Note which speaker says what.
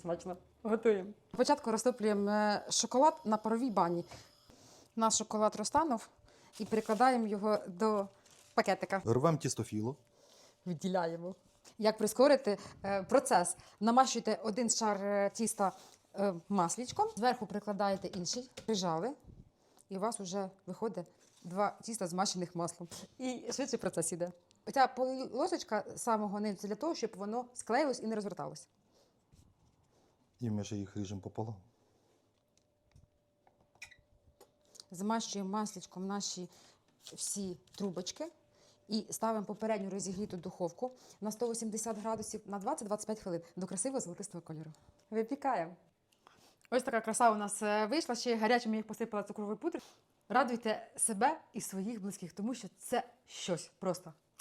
Speaker 1: смачно. Готуємо.
Speaker 2: Спочатку розтоплюємо шоколад на паровій бані. Наш шоколад розтанув і перекладаємо його до пакетика.
Speaker 3: Рвемо тістофіло.
Speaker 2: Відділяємо. Як прискорити процес? Намащуйте один шар тіста масличком, зверху прикладаєте інший, прижали, і у вас вже виходить 2 тіста змащених маслом. І швидше процес іде. Оця полосочка самого низу для того, щоб воно склеїлось і не розверталось.
Speaker 3: І ми ще їх ріжемо пополам.
Speaker 2: Змащуємо масличком наші всі трубочки і ставимо попередню розігріту духовку на 180 градусів на 20-25 хвилин до красивого золотистого кольору.
Speaker 1: Випікаємо.
Speaker 2: Ось така краса у нас вийшла, ще гарячим я їх посипала цукровою пудрою. Радуйте себе і своїх близьких, тому що це щось просто.